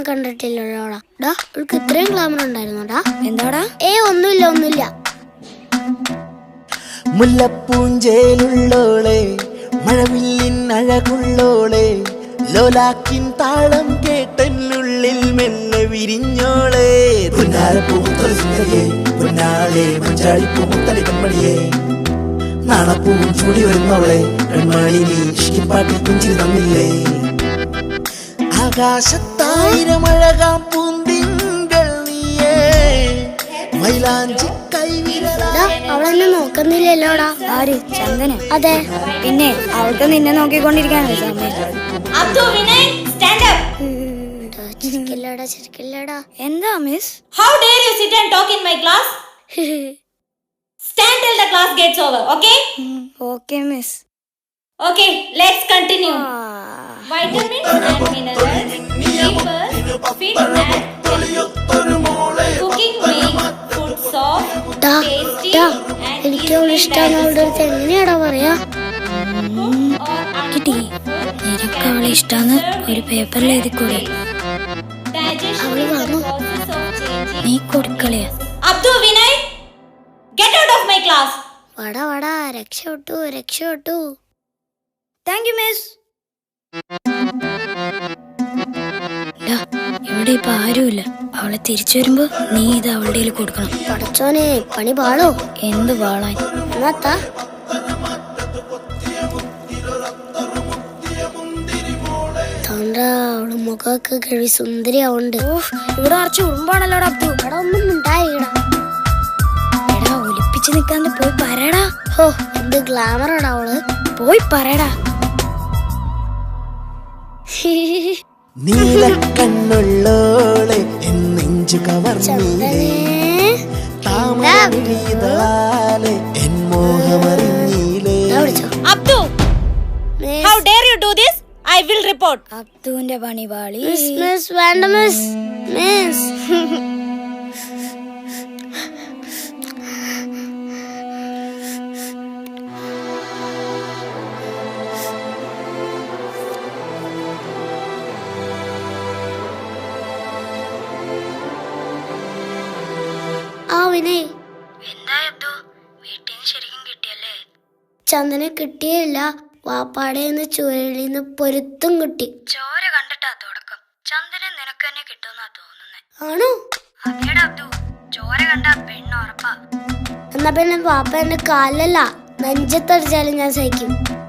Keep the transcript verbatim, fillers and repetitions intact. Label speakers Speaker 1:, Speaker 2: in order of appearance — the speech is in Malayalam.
Speaker 1: കണ്ടിട്ടില്ലോടാ. ഡാ അവൾക്ക് ഇത്രയും ഗ്ലാമർ ഉണ്ടായിരുന്നോടാ?
Speaker 2: എന്താടാ?
Speaker 1: ഏ ഒന്നുമില്ല ഒന്നുമില്ല.
Speaker 3: മുല്ലപ്പൂഞ്ചേലുള്ളോളെ, മഴവില്ലിൻ അഴകുള്ളോളെ, ലോലാക്കിൻ താളം കേട്ടെന്നുള്ളിൽ മെല്ലെ വിരിഞ്ഞോളെ. പുന്നാരപ്പൂമുത്തല സുന്ദരിയെ, പുന്നാളെ മഞ്ചാടിപ്പൂ മുത്തലി കൺമണിയെ, നാണപ്പൂവും ചൂടി വരുന്നവളെ, കൺമണി നീ ഇഷ്ടിപ്പാട്ടിൽ കുഞ്ചിരി തന്നില്ലേ. ആകാശത്തായിരം അഴകാം പൂന്തിങ്കൾ നീയേ, മൈലാഞ്ചി കൈവിരലാ.
Speaker 1: അവളെന്നെ നോക്കുന്നില്ലല്ലോടാ.
Speaker 2: ആര്? ചന്ദന?
Speaker 1: അതെ.
Speaker 2: പിന്നെ അവൾക്ക് നിന്നെ നോക്കിക്കൊണ്ടിരിക്കാനല്ലേ സമയം?
Speaker 1: ചിരിക്കില്ലടാ ചിരിക്കില്ലടാ.
Speaker 2: എന്താ miss?
Speaker 4: How dare you sit and talk in my class? Stand till the class gets over, okay?
Speaker 2: Okay, miss.
Speaker 4: Okay, let's continue. Vitamins and minerals, keepers, fit and cooking makes food soft, tasty and
Speaker 1: എനിക്ക് അവളെ ഇഷ്ടമാണ്. അവളുടെ അടുത്ത് എങ്ങനെയാടാ പറയാ?
Speaker 2: കിട്ടി. നിനക്ക് അവളെ ഇഷ്ടാന്ന് ഒരു പേപ്പറിൽ എഴുതിക്കൂടെ?
Speaker 1: അവള് വന്നു.
Speaker 2: നീ കൊടുക്കളിയാ.
Speaker 4: Abdu, Vinay, get out of my class.
Speaker 1: വടാ വടാ, രക്ഷപ്പെട്ടു രക്ഷപ്പെട്ടു.
Speaker 2: Thank you miss. ഇവിടെ ഇപ്പൊ ആരുമില്ല. അവളെ തിരിച്ചു വരുമ്പോ നീ ഇത് അവളുടെ കയ്യിൽ കൊടുക്കണം.
Speaker 1: പടച്ചോനെ, പണി പാളോ?
Speaker 2: എന്ത് പാളാൻ?
Speaker 1: എന്നാത്താ അവള് മുഖമൊക്കെ കഴിവ് സുന്ദരിയാവുണ്ട്.
Speaker 2: ഇവിടെ അറച്ച് ഉറുമ്പാണല്ലോടാ അബ്ദു.
Speaker 1: ഇവിടെ ഒന്നും ഉണ്ടായിടാ.
Speaker 2: എടാ ഒലിപ്പിച്ച് നിക്കാണ്ട് പോയി പറയടാ.
Speaker 1: ഹോ, എന്ത് ഗ്ലാമറാടാ അവള്.
Speaker 2: പോയി പറയടാ.
Speaker 3: നീലക്കണ്ണുള്ളോളെ എന്നെഞ്ചു കവർന്നീലേ, താമരവിഴിതളാലെ എൻ മോഹമറിഞ്ഞീലേ.
Speaker 4: Abdu, how dare you do this? I will report.
Speaker 2: അബ്ദുവിന്റെ പണി പാളി.
Speaker 1: മിസ് മിസ് വേണ്ട മിസ് മിസ്. ആ വിനയ്, ചന്ദന കിട്ടിയില്ല. വാപ്പാടേന്ന് ചുഴലിന്ന് പൊരുത്തും കിട്ടി.
Speaker 2: ചോര കണ്ടിട്ടാ തുടക്കം. ചന്ദനം നിനക്ക് തന്നെ കിട്ടുമെന്നാ തോന്നുന്നേ.
Speaker 1: ആണോ?
Speaker 2: അതേടാ അബ്ദു, ചോര കണ്ട പെണ്ണ് ഉറപ്പാ.
Speaker 1: എന്നാ പിന്നെ വാപ്പ എന്റെ കാലല്ല നെഞ്ചത്തടിച്ചാലും ഞാൻ സഹിക്കും.